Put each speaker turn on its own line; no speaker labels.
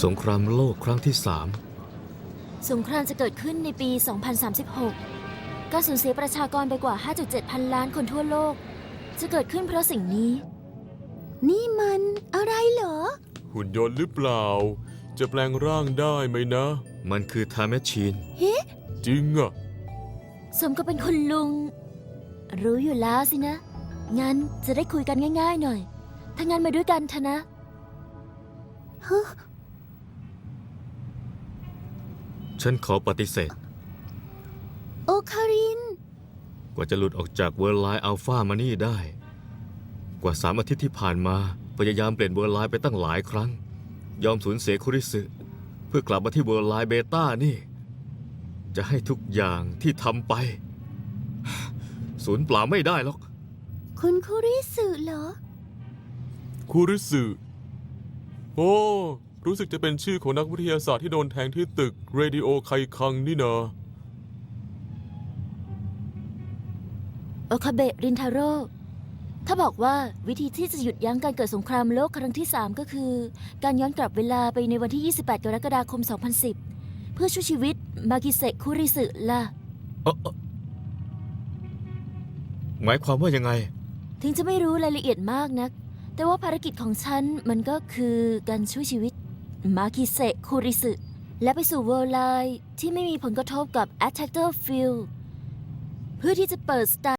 สงครามโลกครั้งที่
สงครามจะเกิดขึ้นในปี 2036 การสูญเสียประชากรไปกว่า 5.7 พันล้านคนทั่วโลก จะเกิดขึ้นเพราะสิ่งนี้
นี่มันอะไรเหรอ
หุ่นยนต์หรือเปล่า จะแปลงร่างได้ไหมนะ
3มันคือไทม์แมชชีน
จริงอะ
สมก็เป็นคุณลุง รู้อยู่แล้วสินะ งั้นจะได้คุยกันง่ายๆหน่อย ถ้างั้นมาด้วยกันเถอะนะ
ฉันขอปฏิเสธ
โอคาริน
กว่าจะหลุดออกจากเวิร์ลไลน์อัลฟามานี่ได้ กว่า3 อาทิตย์ที่ผ่านมาพยายามเปลี่ยนเวิร์ลไลน์ไปตั้งหลายครั้ง ยอมสูญเสียคุริสึเพื่อกลับมาที่เวิร์ลไลน์เบต้านี่ จะให้ทุกอย่างที่ทำไปสูญเปล่าไม่ได้หรอก
คุณคุริสึเหรอ
คูริสึโอ้รู้สึกจะเป็นชื่อของนักวิทยาศาสตร์ที่โดนแทงที่ตึกเรดิโอไคคังนี่นะ
โอคาเบะรินทาโร่ ถ้าบอกว่าวิธีที่จะหยุดยั้งการเกิดสงครามโลกครั้งที่ 3 ก็คือ การย้อนกลับเวลาไปในวันที่ 28 กรกฎาคม 2010 เพื่อช่วยชีวิตมากิเซะคุริสึล่ะ
หมายความว่ายังไง
ถึงจะไม่รู้รายละเอียดมากนัก แต่ว่าภารกิจของฉันมันก็คือการช่วยชีวิตมากิเซะคุริสึและไปสู่เวิร์ลไลน์ที่ไม่มีผลกระทบกับ Attacker Field เพื่อที่จะเปิดสตา